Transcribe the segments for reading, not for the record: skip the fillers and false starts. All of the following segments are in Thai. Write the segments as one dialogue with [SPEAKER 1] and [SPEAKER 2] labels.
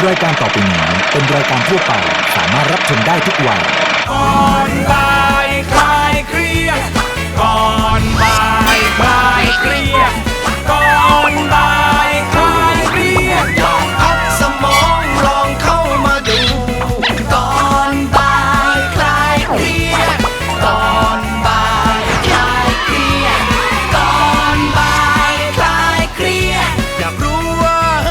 [SPEAKER 1] รายการต่อไปนี้เป็นรายการทั่วไปสามารถรับชมได้ทุกวัย
[SPEAKER 2] ก่อนบ่ายคลายเครียดก่อนบ่ายคลายเครียดก่อนบ่ายคลายเครียดลองพักสมองลองเข้ามาดูก่อนบ่ายคลายเครียดก่อนบ่ายคลายเครียดก่อนบ่ายคลายเครียดอยากรู้ว่า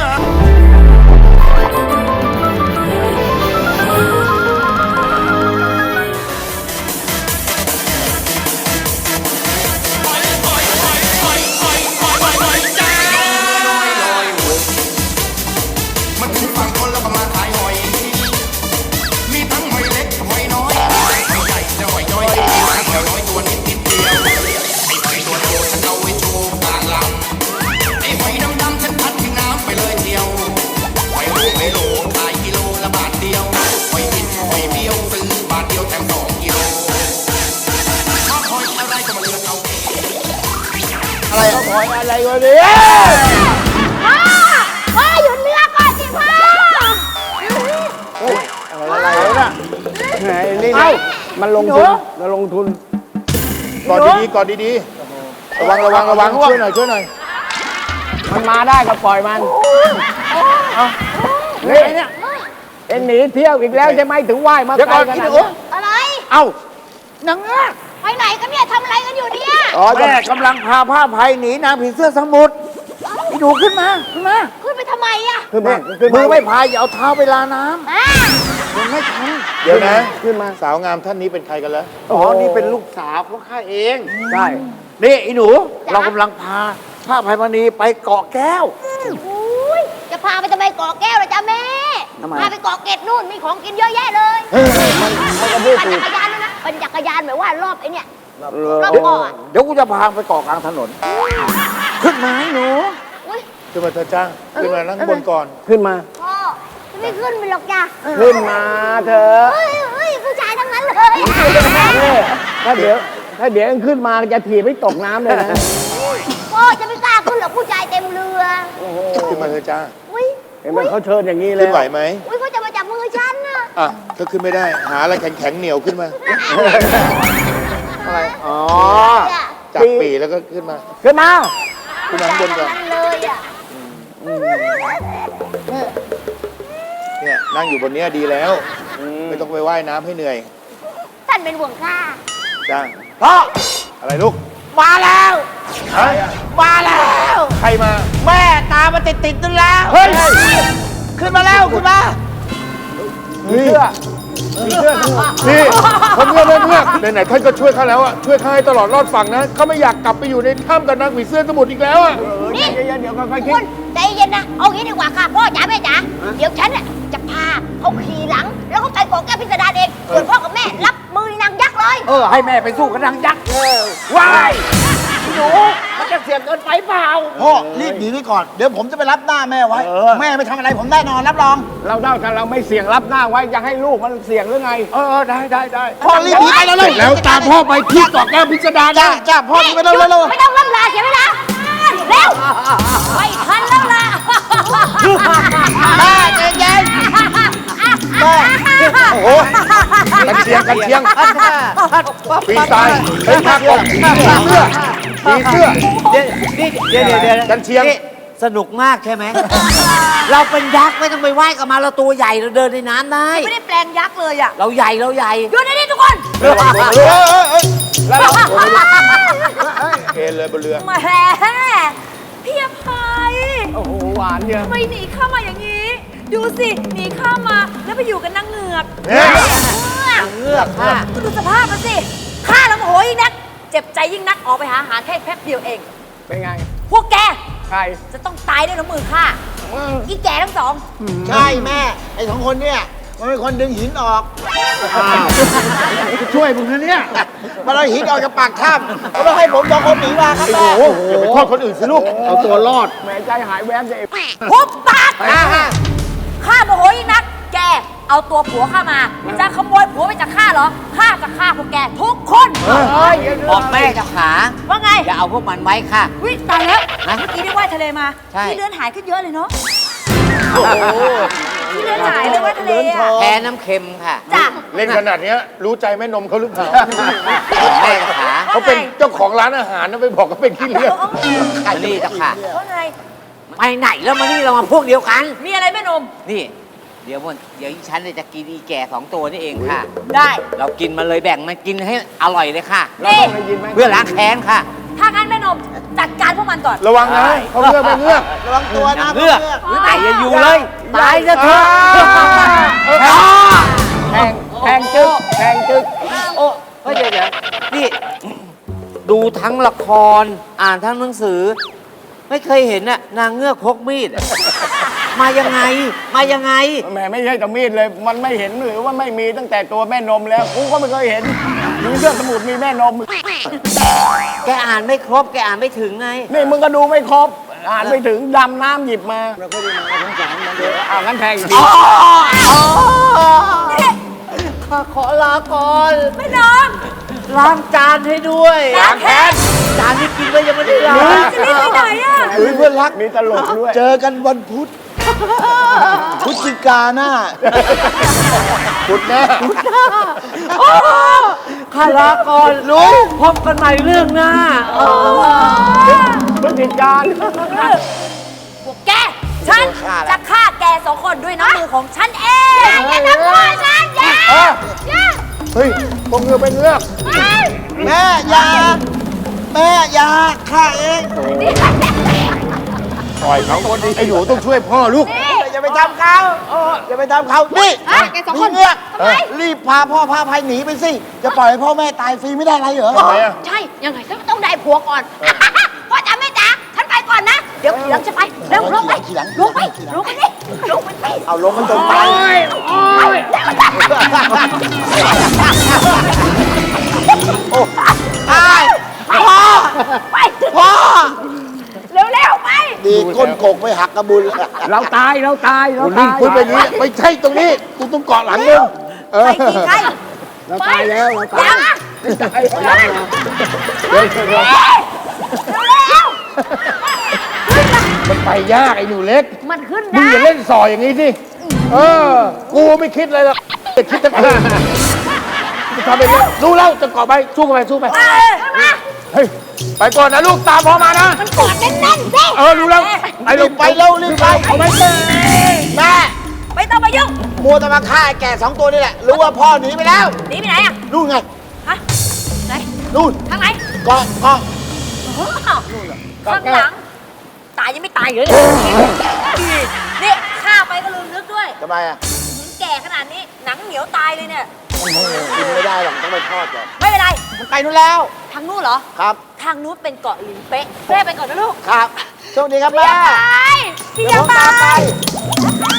[SPEAKER 3] มันถึงฝั่งคนแล้วก็มาขายหอย มีทั้งหอยเล็กหอยน้อยหอยใหญ่และหอยย้อยทั้งหอยน้อยตัวนิดเดียว ไอ้หอยตัวโตฉันเอาไว้โชว์กลางลำไอ้หอยดำๆฉันพัดทิ้งน้ำไปเลยเดียวหอยโลขายกิโลละบาทเดียวหอยบินหอยเบี้ยวซื้อบาทเดียวแถม2 กิโลชอบหอยอะไรก็มาเลือกเอาเอง
[SPEAKER 4] อะไรเอาหอยอะไรวะเนี่ย
[SPEAKER 5] พ่อหยุดเรือก่อนสิพ่อ
[SPEAKER 4] อะไรวะน่ะไหนนี่นะมันลงทุนมันลงทุนกอดดีๆกอดดีๆระวังช่วยหน่อยมันมาได้ก็ปล่อยมันนี่เอ็นหนีเที่ยวอีกแล้วใช่ไหมถึงไหว้มาไกลขนาดนี้
[SPEAKER 5] อะไร
[SPEAKER 4] เอ้านังอ่ะ
[SPEAKER 5] ไปไหนกันเนี่ยทำอะไรกันอยู่เนี่ย
[SPEAKER 4] แม่กำลังพาผ้าภัยหนีนางผีเสื้อสมุทรพี่ดูขึ้นมา
[SPEAKER 5] ขึ้นไปทำไมอ่ะ
[SPEAKER 4] ขึ้นมามือไม่พายอย่าเอาเท้าไปลาน้ำ
[SPEAKER 5] อ่า
[SPEAKER 4] มันไม่ทันเดี๋ยวนะขึ้นมาสาวงามท่านนี้เป็นใครกันแล้วอ๋อนี่เป็นลูกสาวของข้าเองใช่นี่อีหนูเรากำลังพาผ้าภัยมณีไปเกาะแก้ว
[SPEAKER 5] อุ้ยจะพาไปทำไมเกาะแก้วล่ะจ๊ะแม่
[SPEAKER 4] ทำไม
[SPEAKER 5] พาไปเกาะเกร็ดนู่นมีของกินเยอะแยะเลย
[SPEAKER 4] มันก็พูด
[SPEAKER 5] ปั่น
[SPEAKER 4] ถูก
[SPEAKER 5] จักรยานด้วยนะปั่นจักรยานแบบว่ารอบไอ้เนี่ย รอบ
[SPEAKER 4] เดี๋ยว
[SPEAKER 5] เกาะอะ
[SPEAKER 4] เดี๋ยวกูจะพาไปเกาะกลางถนนขึ้นมาให้หนู
[SPEAKER 5] อุ้ย
[SPEAKER 4] ขึ้นมาเธอจ้าขึ้นมานั่งบนก่อนขึ้นมา
[SPEAKER 5] พ่อจะไม่ขึ้นไปหรอกจ้ะ
[SPEAKER 4] ขึ้นมาเธอ
[SPEAKER 5] เฮ้ยผู้ชายทั้งนั้นเลย
[SPEAKER 4] ถ้าเดี๋ยวขึ้นมาจะถีบให้ตกน้ำเลยนะ
[SPEAKER 5] พ่อจะไม่กล้าขึ้นหรอกผู้ชายเต็มเรือ
[SPEAKER 4] ขึ้นมาเธอจ้า
[SPEAKER 5] อุ้ย
[SPEAKER 4] เห็นไหมเขาเชิญอย่างนี้เลยขึ้นไหวไหม
[SPEAKER 5] อุ้ยเขาจะมาจับมือฉันน่ะ
[SPEAKER 4] อ่ะถ้าขึ้นไม่ได้หาอะไรแข็งๆเหนียวขึ้นมาอะไรอ๋อจับปีแล้วก็ขึ้นมาขึ้นมาข้างบนก่อน
[SPEAKER 5] ทั้งนั้นเลยอ่ะ
[SPEAKER 4] เนี่ยนั่งอยู่บนเนี้ยดีแล้วไม่ต้องไปว่ายน้ำให้เหนื่อย
[SPEAKER 5] ท่านเป็นห่วงข้า
[SPEAKER 4] จ้าพ่ออะไรลูกมาแล้วมาแล้วใครมาแม่ตามมาติดนั่นแล้วเฮ้ยขึ้นมาแล้วขึ้นมาเสื้อนี่ผมเพื่อนไหนๆท่านก็ช่วยข้าแล้วอ่ะช่วยข้าให้ตลอดรอดฝั่งนะเขาไม่อยากกลับไปอยู่ในถ้ำกับนางผีเสื้อสมุทรอีกแล้วอ่ะ
[SPEAKER 5] นี่เดี๋ยวค่อยๆคิดใจเย็นนะเอางี้ดีกว่าค่ะพ่อจ๋าแม่จ๋าเดี๋ยวฉันน่ะจะพาเขาขี่หลัง แล้วก็ไปเกาะแก้วพิสดารเองส่วนพ่อกับแม่รับมือนางยักษ์เลย
[SPEAKER 4] ให้แม่ไปสู้กับนางยักษ์ว้ายหนูมันจะเสี่ยงเกินไปเปล่า
[SPEAKER 6] พ่อรีบหนีไปก่อน เดี๋ยวผมจะไปรับหน้าแม่ไว้ แม่ไม่ทำอะไรผมแน่นอนรับรอง
[SPEAKER 4] เราได้กันเราไม่เสี่ยงรับหน้าไว้จะให้ลูกมันเสี่ยงหรือไงได้
[SPEAKER 6] พ่อรีบหนีไปแล้วเลย
[SPEAKER 4] แล้วตามพ่อไปที่เกาะแก้วพิสดาร
[SPEAKER 6] จ้าพ่อหนีไปเร็ว
[SPEAKER 5] ไม่ต้องล่ำลาเสียเวลาเร็วไม่ทันแล้วล่ะ
[SPEAKER 6] แม่ใจเย็น
[SPEAKER 4] โอ้โหกันเชียงปีตายเฮ้ยมากกว่าผีเสื้อ
[SPEAKER 7] เดี๋ยว
[SPEAKER 4] กันเชียง
[SPEAKER 7] นี่สนุกมากใช่ไหม เราเป็นยักษ์ไม่ต้องไปไหว้กับมาเราตัวใหญ่เราเดินในน้ำได้
[SPEAKER 5] ไม่ได้แปลงยักษ์เลยอ่ะ
[SPEAKER 7] เราใหญ่
[SPEAKER 5] หยุดในนี้ทุกคน
[SPEAKER 4] แล้วเราเอ็นเลยบนเรือ
[SPEAKER 5] แหมพี่อภัย
[SPEAKER 4] โอ้โหหวานเนี่ย
[SPEAKER 8] ทำไมหนีข้ามาอย่างนี้ ดูสิหนีข้ามาแล้วไปอยู่กับนางเหงือก
[SPEAKER 7] เงือกค่ะ
[SPEAKER 8] ก็ดูสภาพมันสิข้าแล้วโมโหยิ่งนัก เจ็บใจยิ่งนักออกไปหาอาหารแค่แป๊บเดียวเอง
[SPEAKER 4] เป็นไง
[SPEAKER 8] พวกแก
[SPEAKER 4] ใคร
[SPEAKER 8] จะต้องตายด้วยน้ำมือข้าอีแก่ทั้งสอง
[SPEAKER 6] ๆใช่แม่ ไอ้สองคนเนี่ยมันเป็นคนดึงหินออก
[SPEAKER 4] ช่วยมึงนะเนี่ย
[SPEAKER 6] มันเอาหินออกจากปากถ้ำแล้วให้ผมสองคนหนีมาครับแม่
[SPEAKER 4] โอ้โหอย่าไปโทษคนอื่นสิลูกเอาตัวรอดแหมใจหายแวบเลย
[SPEAKER 8] หุบปากข้าโมโหยิ่งนัก แกเอาตัวผัวข้ามา จะขโมยผัวไปจากข้าเหรอ ข้าจะฆ่าพวกแกทุกคน
[SPEAKER 7] บอกแม่เจ้าขา
[SPEAKER 8] ว่าไง
[SPEAKER 7] อย่าเอาพวกมันไว้ค่ะ
[SPEAKER 8] วิตายแล้ว
[SPEAKER 7] ฮะ
[SPEAKER 8] เมื่อกี้ได้ว่ายทะเลมา
[SPEAKER 7] ใช่
[SPEAKER 8] ที่เลือนหายขึ้นเยอะเลยเนาะ
[SPEAKER 4] น
[SPEAKER 8] ที่เลือดหายเลยว่าทะเลอะ
[SPEAKER 7] แพ้น้ำเค็มค่ะ
[SPEAKER 8] จ้ะ
[SPEAKER 4] เล่นขนาดเนี้ยรู้ใจแม่นมเขาหรือเปล่า
[SPEAKER 7] แม่ขา
[SPEAKER 4] เขาเป็นเจ้าของร้านอาหารนะไปบอกเขาเป็นขี้เลือด
[SPEAKER 7] อันนี้จ้ะค่ะ
[SPEAKER 8] ว่าไง
[SPEAKER 7] ไปไหนแล้วมานี่เรามาพวกเดียวกัน
[SPEAKER 8] มีอะไรแม่นม
[SPEAKER 7] นี่ เดี๋ยวอีฉันเนี่ยจะกินอีแก่2 ตัวนี่เองค่ะ
[SPEAKER 8] ได้
[SPEAKER 7] เรากินมาเลยแบ่งมันกินให้อร่อยเลยค่ะ
[SPEAKER 8] นี่
[SPEAKER 7] เพื่อล้างแค้นค่ะ
[SPEAKER 8] ถ้างั้นแม่นมจัดการพวกมันก่อน
[SPEAKER 4] ระวังนะเขาเลือกไม่เลือก
[SPEAKER 6] ระวังตัวนะ
[SPEAKER 7] เลือก
[SPEAKER 6] เพื่อน
[SPEAKER 7] ไหนจะอยู่เลยตายซะเถอะ
[SPEAKER 4] แทงจึ๊กแทงจึ๊ก
[SPEAKER 7] โอ้เฮ้ยเดี๋ยวนี่ดูทั้งละครอ่านทั้งหนังสือ ไม่เคยเห็นน่ะนางเงือกพกมีด มายังไง มายังไง
[SPEAKER 9] แหมไม่ใช่แต่มีดเลย มันไม่เห็นหรือว่าไม่มีตั้งแต่ตัวแม่นมแล้วกูก็ไม่เคยเห็น มีเรื่องสมุดมีแม่นม
[SPEAKER 7] แกอ่านไม่ครบ แกอ่านไม่ถึงไง
[SPEAKER 9] นี่มึงก็ดูไม่ครบ อ่านไม่ถึงดำน้ำหยิบมาเราก็ได้มาสงสารมันเดี๋ยวเอางั้นแทงอีกที
[SPEAKER 7] ข้าขอลาก่อน
[SPEAKER 8] แม่นม
[SPEAKER 7] ล้างจานให้ด้วย
[SPEAKER 8] ล้างแค้น
[SPEAKER 7] จานที่กินไปยังไม่ได้ล้าง
[SPEAKER 8] จะรีบไปไหนอะ
[SPEAKER 6] เฮ้ยเพื่อนรัก
[SPEAKER 9] มีตลกด้วย
[SPEAKER 6] เจอกันวันพุธพฤศจิกาหน้า
[SPEAKER 4] ขุดแน่
[SPEAKER 7] ข้าลาก่อนรู้พบกันใหม่เรื่องหน้า
[SPEAKER 9] พฤติการ
[SPEAKER 8] พวกแก ฉันจะฆ่าแก2 คนด้วยน้ำมือของฉันเอง
[SPEAKER 5] อย่าทำพ่อฉันอย่าอย่า
[SPEAKER 4] เฮ้ยพวกเงือกเป็นเงือก
[SPEAKER 6] แม่อยาแม่อยาข้าเอง
[SPEAKER 4] ปล่อยเขาไอ้หนูต้องช่วยพ่อลูก
[SPEAKER 6] อย่าไปทำเขาอย่าไปทำเขานี่
[SPEAKER 5] แก2 คน
[SPEAKER 6] เงือกรีบพาพ่อพาภัยหนีไปสิ จะปล่อยให้พ่อแม่ตายฟรีไม่ได้อะไรเหรอ
[SPEAKER 4] ทำไมอะ
[SPEAKER 5] ใช่ ยังไงฉันก็ต้องได้ผัวก่อน พ่อจ๋าแม่จ๋าฉันไปก่อนนะ เดี๋ยวขี่หลังจะไปเร็วลงไป
[SPEAKER 6] ขี่หลัง
[SPEAKER 5] ลงไปลงไปนี่ลงไปสิ
[SPEAKER 6] เอาลงมันจนไป พ่อ
[SPEAKER 5] ไป
[SPEAKER 6] พ่อ
[SPEAKER 5] เร็วๆไป
[SPEAKER 6] ดีก้นโกกไปหักกระบุญ
[SPEAKER 9] เราตายเราตายเรา
[SPEAKER 4] คุณนี่
[SPEAKER 9] ตาย
[SPEAKER 4] คุณเป็นอย่างนี้ไม่ใช่ตรงนี้กูต้องเกาะหลังเร็วเออ
[SPEAKER 8] ไปสิใคร
[SPEAKER 9] เราตายแล้วเรา
[SPEAKER 5] อย่า
[SPEAKER 9] ตาย
[SPEAKER 5] มา
[SPEAKER 9] ตายแล้ว
[SPEAKER 4] เดี๋ยวเดี๋ยว
[SPEAKER 5] เร็ว
[SPEAKER 4] มันไปยากไอ้หนูเล็ก
[SPEAKER 5] ๆมันขึ้น
[SPEAKER 4] มึง
[SPEAKER 5] ได้
[SPEAKER 4] อย่าเล่นสอยอย่างนี้สิ เออ กูไม่คิดเลยหรอกจะคิดแต่กูจะทำเป็นรู้แล้วจะเกาะไปสู้กันไปสู้ไป เฮ้ย ไปก่อนนะลูกตามพ่อมานะ
[SPEAKER 5] มันกอดแน่นๆสิ
[SPEAKER 4] เออรู้แล้วไปลูก
[SPEAKER 6] ไปเร็วรีบไปเอาไปแม่
[SPEAKER 8] ไม่ต้องมายุ่ง
[SPEAKER 6] มัวแต่มาฆ่าไอ้แก่2 ตัวนี่แหละ รู้ว่าพ่อหนีไปแล้ว
[SPEAKER 8] หนีไปไหนอะ
[SPEAKER 6] นู่นไง
[SPEAKER 8] ฮะไหน
[SPEAKER 6] นู่น
[SPEAKER 8] ทางไหน
[SPEAKER 6] เกาะเกาะ
[SPEAKER 8] ข้างหลัง ตายยังไม่ตายอยู่เลยนี่ฆ่าไปก็ลืมนึกด้วย
[SPEAKER 6] ทำไมอ่ะ
[SPEAKER 8] แก่ขนาดนี้หนังเหนียวตายเลยเนี่ย
[SPEAKER 6] กินไม่ได้หรอกต้องไปทอดก่อน
[SPEAKER 8] ไม่เป็นไร
[SPEAKER 6] มันไปนู่นแล้ว
[SPEAKER 8] ทางนู้นเหรอ
[SPEAKER 6] ครับ
[SPEAKER 8] ทางนู้นเป็นเกาะหลินเป๊ะแม่ไปก่อนนะลูก
[SPEAKER 6] ครับโชคดีครับแม่
[SPEAKER 8] พี่
[SPEAKER 6] เดี๋ยว
[SPEAKER 8] ยา
[SPEAKER 6] ผม
[SPEAKER 8] ไป
[SPEAKER 6] ตามไป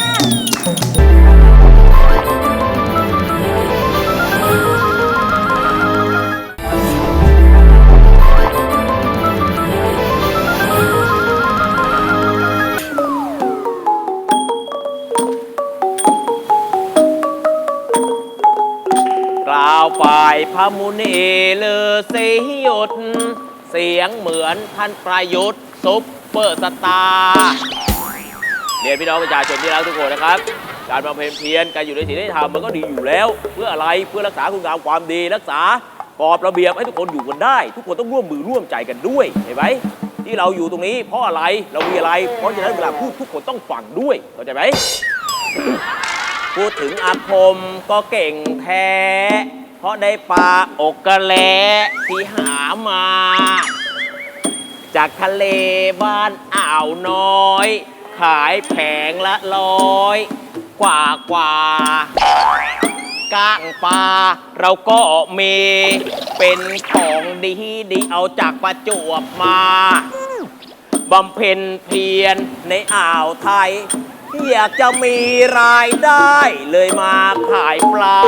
[SPEAKER 2] กล่าวฝ่ายพระมุนีเลอสีหยุด เสียงเหมือนท่านประยุทธ์ซุปเปอร์สตาร์เรียนพี่น้องประชาชนที่รักทุกคนนะครับ การบำเพ็ญเพียรการอยู่ในศีลธรรมมันก็ดีอยู่แล้ว เพื่ออะไรเพื่อรักษาคุณงามความดีรักษากรอบระเบียบให้ทุกคนอยู่กันได้ ทุกคนต้องร่วมมือร่วมใจกันด้วยเห็นไหมที่เราอยู่ตรงนี้เพราะอะไรเรามีอะไรเพราะฉะนั้นเวลาพูดทุกคนต้องฟังด้วยเข้าใจไหม พูดถึงอาคมก็เก่งแท้ เพราะได้ปลาอกกระแลที่หามา จากทะเลบ้านอ่าวน้อย ขายแผงละ100 กว่าก้างปลาเราก็มีเป็นของดีดีเอาจากประจวบมาบำเพ็ญเพียรในอ่าวไทย อยากจะมีรายได้เลยมาขายปลา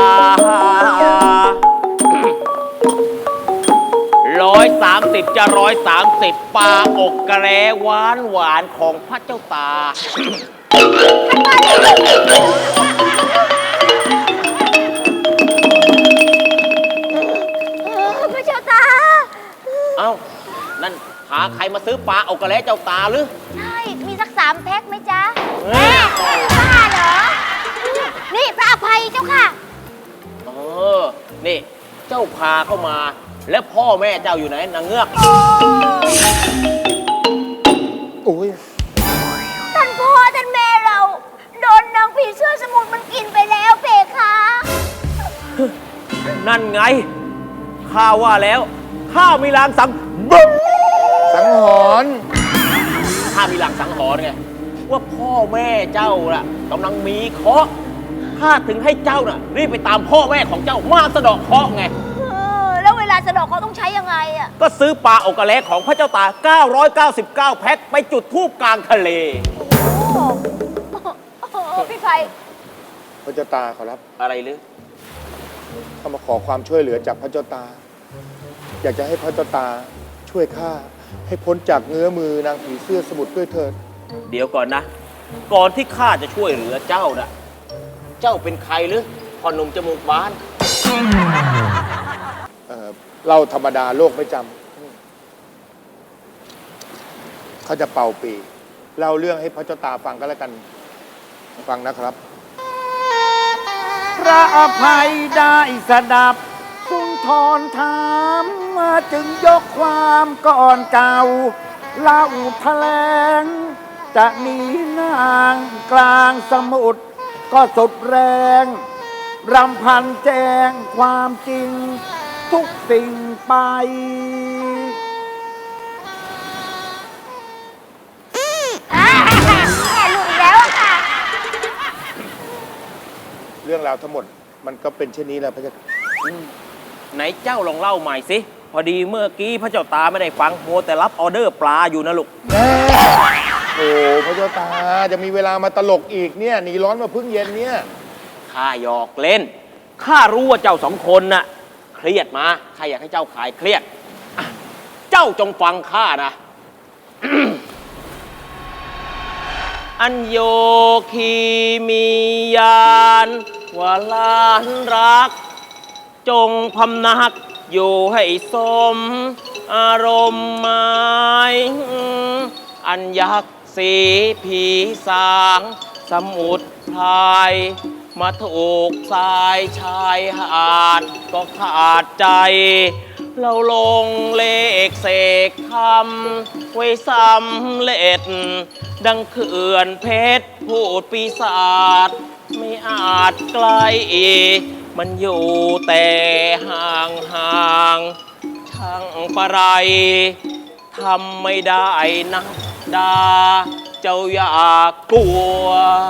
[SPEAKER 2] 130จะ130ปลาอกกระแรหวานหวานของพระเจ้าตา
[SPEAKER 5] พระเจ้าตา
[SPEAKER 2] เอ้า นั่นหาใครมาซื้อปลาอกกระแรเจ้าตาหรือ
[SPEAKER 5] ใช่ มีสัก3 แพ็คไหมจ๊ะแม่บ้าเหรอ
[SPEAKER 10] าพาเข้ามา และพ่อแม่เจ้าอยู่ไหนนางเงือก
[SPEAKER 4] โอ้ย
[SPEAKER 5] ท่านพ่อท่านแม่เรา โดนนางผีเสื้อสมุทรมันกินไปแล้วเพคะ
[SPEAKER 10] นั่นไงข้าว่าแล้วข้ามีลางสัง
[SPEAKER 4] สังหรณ์
[SPEAKER 10] ข้ามีลางสังหรณ์ไงว่าพ่อแม่เจ้าน่ะกำลังมีเคราะห์ข้าถึงให้เจ้าน่ะรีบไปตามพ่อแม่ของเจ้ามาสะเดาะเคราะห์ไง
[SPEAKER 5] แล้วเวลาสะเดอกเขาต้องใช้ยังไงอะ
[SPEAKER 10] ก็ซื้อปลาโอกาเล็กของพระเจ้าตา 999 แพ็คไปจุดธูปกลางทะเล
[SPEAKER 5] พี่ไฟ
[SPEAKER 4] พระเจ้าตาขอรับ
[SPEAKER 10] อะไรหรือ
[SPEAKER 4] เขามาขอความช่วยเหลือจากพระเจ้าตา อยากจะให้พระเจ้าตาช่วยข้าให้พ้นจากเงื้อมือนางผีเสื้อสมุทรด้วยเถิด
[SPEAKER 10] เดี๋ยวก่อนนะ ก่อนที่ข้าจะช่วยเหลือเจ้าน่ะ เจ้าเป็นใครหรือพ่อหนุ่มจมูกบาน
[SPEAKER 4] เล่าธรรมดาโลกไม่จำเขาจะเป่าปีเล่าเรื่องให้พระเจ้าตาฟังก็แล้วกัน ฟังนะครับ
[SPEAKER 9] พระอภัยได้สดับสุนทรถามจึงยกความก่อนเก่าเล่าแถลงจะหนีนางกลางสมุทรก็สุดแรงรำพันแจ้งความจริงทุกสิ่งไป
[SPEAKER 5] แม่หลุดอีกแล้วอะค่ะ
[SPEAKER 4] เรื่องราวทั้งหมดมันก็เป็นเช่นนี้แหละพระเจ้า
[SPEAKER 10] ไหนเจ้าลองเล่าใหม่สิ พอดีเมื่อกี้พระเจ้าตาไม่ได้ฟังโมวแต่รับออเดอร์ปลาอยู่นะลูก
[SPEAKER 4] โอ้พระเจ้าตาจะมีเวลามาตลกอีกเนี่ยหนีร้อนมาพึ่งเย็นเนี่ย
[SPEAKER 10] ข้าหยอกเล่น ข้ารู้ว่าเจ้าสองคนน่ะเครียดมา ข้าอยากให้เจ้าคลายเครียดอ่ะเจ้าจงฟังข้านะ อันโยคีมียานวาลานรัก จงพำนักอยู่ให้สมอารมณ์หมายอันยักษ์สีผีสางสมุทรพรายมาถูกสายชายหาดก็ขาดใจ เราลงเลขเสกคำไว้สำเร็จ ดังเขื่อนเพชรพูดปีศาจไม่อาจไกลมันอยู่แต่ห่างห่างช่างปะไรทำไม่ได้นะดาเจ้าอย่ากลัว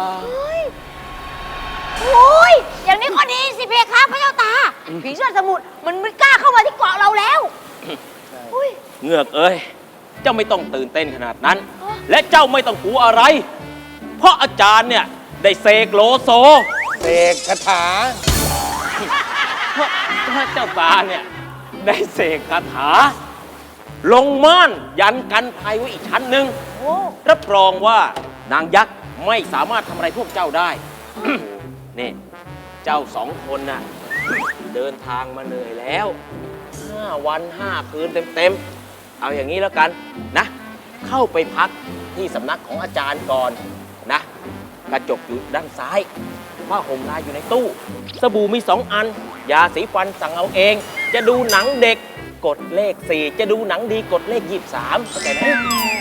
[SPEAKER 5] โอ้ยอย่างนี้ก็ดีสิเพคะพระเจ้าตา ผีเสื้อสมุทรมันไม่กล้าเข้ามาที่เกาะเราแล้วอุ้ย
[SPEAKER 10] เงือกเอ้ย เจ้าไม่ต้องตื่นเต้นขนาดนั้น และเจ้าไม่ต้องกลัวอะไร เพราะอาจารย์เนี่ยได้เสกโลโซ
[SPEAKER 4] เสกคาถา
[SPEAKER 10] เพราะเจ้าตาเนี่ยได้เสกคาถา ลงม่านยันกันภัยไว้อีกชั้นหนึ่ง
[SPEAKER 5] โอ้
[SPEAKER 10] รับรองว่านางยักษ์ไม่สามารถทำอะไรพวกเจ้าได้ นี่เจ้าสองคนน่ะ เดินทางมาเหนื่อยแล้ว 5 วัน 5 คืนเต็มๆ เอาอย่างนี้แล้วกันนะ เข้าไปพักที่สำนักของอาจารย์ก่อนนะ กระจกอยู่ด้านซ้ายผ้าห่มลายอยู่ในตู้ สบู่มี 2 อัน ยาสีฟันสั่งเอาเอง จะดูหนังเด็กกดเลข 4 จะดูหนังดีกดเลข 23เข้าใจไหม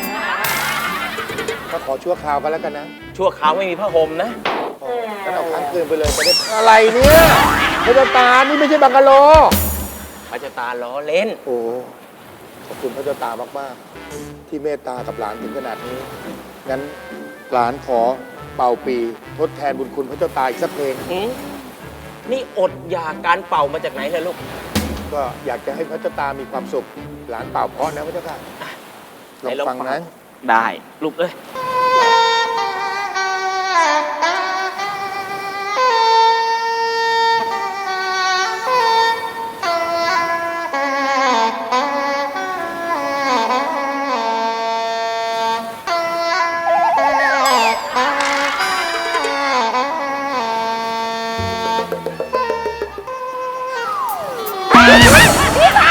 [SPEAKER 4] ก็ขอชั่วคราวกันแล้วกันนะ
[SPEAKER 10] ชั่วคราวไม่มีผ้าห่มนะ
[SPEAKER 4] งั้นเอาค้างคืนไปเลยจะได้อะไรเนี่ยพระเจ้าตานี่ไม่ใช่บังกะโล
[SPEAKER 10] พระเจ้าตาล้อเล่น
[SPEAKER 4] โอ้ขอบคุณพระเจ้าตามากๆที่เมตตากับหลานถึงขนาดนี้ งั้นหลานขอเป่าปีทดแทนบุญคุณพระเจ้าตาอีกสักเพลง
[SPEAKER 10] นี่อดอยากการเป่ามาจากไหนเลยลูก
[SPEAKER 4] ก็อยากจะให้พระเจ้าตามีความสุข หลานเป่าเพราะนะพระเจ้าค่ะลองฟังนะ
[SPEAKER 10] ได้ลูกเอ้ย
[SPEAKER 5] พี่ไฟ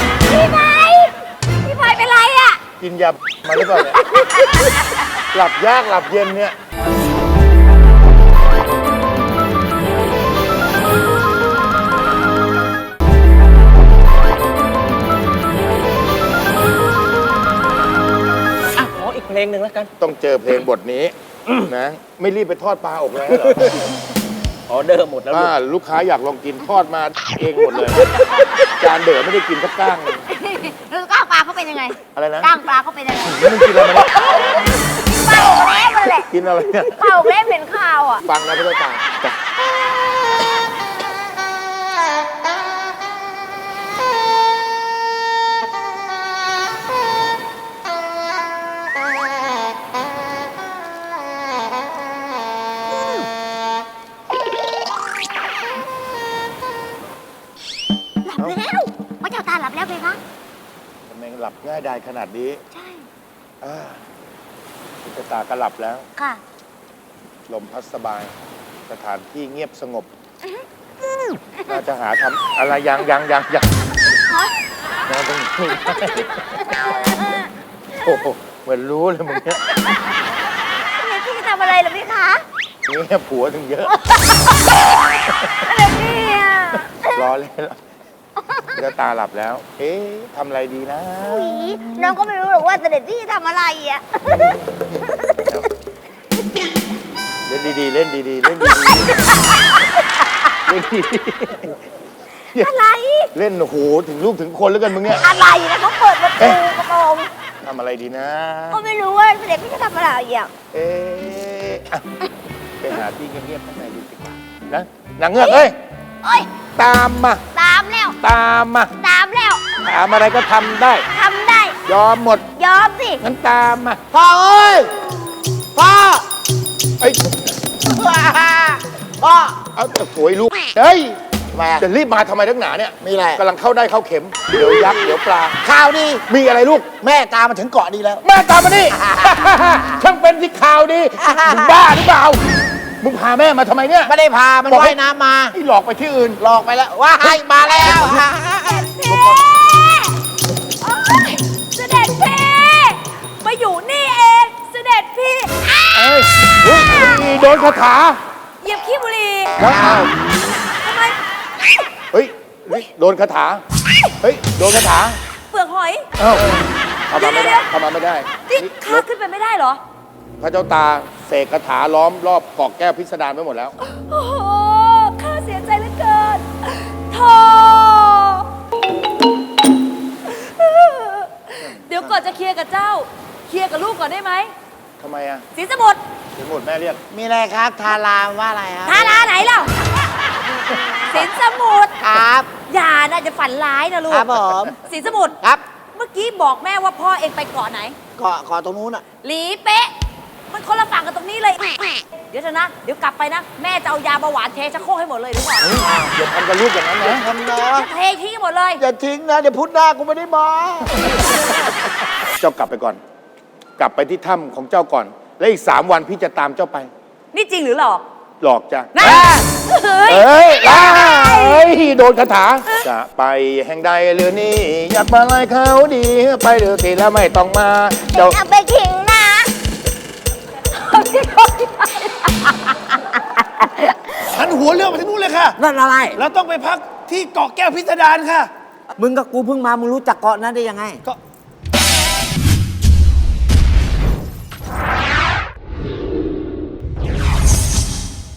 [SPEAKER 5] เป็นไรอะ
[SPEAKER 4] กินยามาหรือเปล่าเนี่ย หลับยากหลับเย็นเนี่ย
[SPEAKER 10] งหนึ่งแล้วกัน
[SPEAKER 4] ต้องเจอเพลงบทนี้นะ ไม่รีบไปทอดปลาอกแล้วเหรอ
[SPEAKER 10] ออเดอร์หมดแล้วลูก
[SPEAKER 4] ลูกค้าอยากลองกินทอดมาเองหมดเลย จานเด๋อไม่ได้กินสักก้างเลย
[SPEAKER 5] แล้วก้างปลาเขาเป็นยังไง
[SPEAKER 4] อะไรนะ
[SPEAKER 5] ก้างปลาเขาเป็นยังไง
[SPEAKER 4] มึงกินอะไรมาเนี่ย
[SPEAKER 5] ปลาอกเล็บมันแหละ
[SPEAKER 4] กินอะไรเนี่ย
[SPEAKER 5] ปลาอกเล็บเป็นข้าวอ่ะ
[SPEAKER 4] ฟังนะพี่ต้นตาลจ้ะ
[SPEAKER 5] หลับแล้วพระเจ้าตาหลับแล้วเพคะ
[SPEAKER 4] ทำไมหลับง่ายได้ขนาดนี้
[SPEAKER 5] ใช่
[SPEAKER 4] พี่ต้นตาก็หลับแล้ว
[SPEAKER 5] ค่ะ
[SPEAKER 4] ลมพัดสบาย สถานที่เงียบสงบ น่าจะหาทำอะไรยังนอนตรงนี้โอ้โหเหมือนรู้เลยมึงเนี่ย
[SPEAKER 5] พี่ทำอะไรเหรอพี่คะ
[SPEAKER 4] นี่ผัวถึงเยอะ
[SPEAKER 5] อะไรพี่อ่ะ
[SPEAKER 4] รอเล่นแล้วจะตาหลับแล้ว เอ๊ะทำอะไรดีนะ
[SPEAKER 5] อุ๊ยน้องก็ไม่รู้หรอกว่าเสด็จพี่ทำอะไรอ่ะ
[SPEAKER 4] เล่นดีๆ เล่นดีๆ เล่นดีๆ เล่นดี
[SPEAKER 5] อะไร
[SPEAKER 4] ๆ เล่นโอ้โหถึงลูกถึงคนแล้วกันมึงเนี่ย
[SPEAKER 5] อะไรนะเขาเปิดประตูกระโปรง
[SPEAKER 4] ทำอะไรดีนะ
[SPEAKER 5] ก็ไม่รู้ว่าเสด็จพี่จะทำอะไรอ่ะ
[SPEAKER 4] เอ๊ะอ่ะไปหาที่เงียบๆข้างในดีกว่านะนางเงือกเอ้ย
[SPEAKER 5] โอ้ย
[SPEAKER 4] ตามมา
[SPEAKER 5] ตามแล้ว
[SPEAKER 4] ตามมา
[SPEAKER 5] ตามแล้ว
[SPEAKER 4] ถามอะไรก็ทำได้
[SPEAKER 5] ทำได้
[SPEAKER 4] ยอมหมด
[SPEAKER 5] ยอมสิ
[SPEAKER 4] งั้นตามมา
[SPEAKER 6] พ่อเอ้ย พ่อ
[SPEAKER 4] เอ้ย
[SPEAKER 6] พ่อ
[SPEAKER 4] เอาแต่โวยลูก เฮ้ย
[SPEAKER 6] ทำไมอะ
[SPEAKER 4] จะรีบมาทำไมนักหนาเนี่ย
[SPEAKER 6] มีอะไร
[SPEAKER 4] กำลังเข้าได้เข้าเข็ม เดี๋ยวยักษ์เดี๋ยวปลา
[SPEAKER 6] ข่าวดี
[SPEAKER 4] มีอะไรลูก
[SPEAKER 6] แม่ตามมาถึงเกาะดีแล้ว
[SPEAKER 4] แม่ตามมานี่ ช่างเป็นที่ข่าวดี มึงบ้าหรือเปล่า มึงพาแม่มาทำไมเนี่ย
[SPEAKER 6] ไม่ได้พา มัน
[SPEAKER 4] บอกให้
[SPEAKER 6] ว่ายน้ำมา
[SPEAKER 4] ไอ้หลอกไปที่อื่น
[SPEAKER 6] หลอกไปแล้วว้ายมาแล้ว
[SPEAKER 8] เสด็จพี่มาอยู่นี่เอง เสด็จพี่
[SPEAKER 4] เอ้ยเฮ้ยโดนคาถา
[SPEAKER 8] เหยียบขี้บุหรี่
[SPEAKER 4] ว้าว
[SPEAKER 8] ทำไม
[SPEAKER 4] เฮ้ย โดนคาถา เฮ้ย โดนคาถา
[SPEAKER 8] เปลือกหอย
[SPEAKER 4] เอ้าเข้ามาไม่
[SPEAKER 8] เดี๋
[SPEAKER 4] ได้
[SPEAKER 8] ยว
[SPEAKER 4] เข้ามาไม่ได้
[SPEAKER 8] นี่
[SPEAKER 4] นี่
[SPEAKER 8] ข้าขึ้นไปไม่ได้เหรอ
[SPEAKER 4] พระเจ้าตาเสกคาถาล้อมรอบเกาะแก้วพิสดารไปหมดแล้ว
[SPEAKER 8] โอ้โห ข้าเสียใจเหลือเกินโธ่เดี๋ยวก่อนจะเคลียร์กับเจ้า เคลียร์กับลูกก่อนได้ไหม
[SPEAKER 4] ทำไมอ่ะ
[SPEAKER 8] สินสมุทร
[SPEAKER 4] เดี๋ยวหมดแม่เรียก
[SPEAKER 6] มีอะไรครับ ทารามว่าอะไรครับ
[SPEAKER 8] ทาราไหนเล่าสินสมุทร
[SPEAKER 6] ครับ
[SPEAKER 8] อย่านะจะฝันร้ายนะลูก
[SPEAKER 6] ครับผม
[SPEAKER 8] สินสมุทร
[SPEAKER 6] ครับ
[SPEAKER 8] เมื่อกี้บอกแม่ว่าพ่อเองไปเกาะไหน
[SPEAKER 6] เกาะตรงนู้นอ่ะ
[SPEAKER 8] หลีเป๊ะ มันคนละฝั่งกันตรงนี้เลย เดี๋ยวเถอะนะ เดี๋ยวกลับไปนะ แม่จะเอายาเบาหวานเทชักโครกให้หมดเลยดีกว่า
[SPEAKER 4] อย่าทำกับลูกอย่างนั้นนะ
[SPEAKER 6] ทำนะ
[SPEAKER 8] เททิ้งให้หมดเลย
[SPEAKER 6] อย่าทิ้งนะ เดี๋ยวพุธหน้ากูไม่ได้มา
[SPEAKER 4] เจ้ากลับไปก่อน กลับไปที่ถ้ำของเจ้าก่อน และอีก3 วันพี่จะตามเจ้าไป
[SPEAKER 8] นี่จริงหรือหลอก
[SPEAKER 4] หลอกจ้ะ
[SPEAKER 8] นะเฮ้ย
[SPEAKER 4] เอ้ยโดนคาถา จะไปแห่งใดหรือนี่ อยากมาไล่เขาดี ไปเดือดทีแล้วไม่ต้องมา เจ้า
[SPEAKER 5] เอาไปขิงนะ
[SPEAKER 6] หันหัวเรือไปที่นู้นเลยค่ะ
[SPEAKER 7] นั่นอะไร
[SPEAKER 6] เราต้องไปพักที่เกาะแก้วพิสดารค่ะ
[SPEAKER 7] มึงกับกูเพิ่งมา มึงรู้จักเกาะนั้นได้ยังไง
[SPEAKER 6] ก็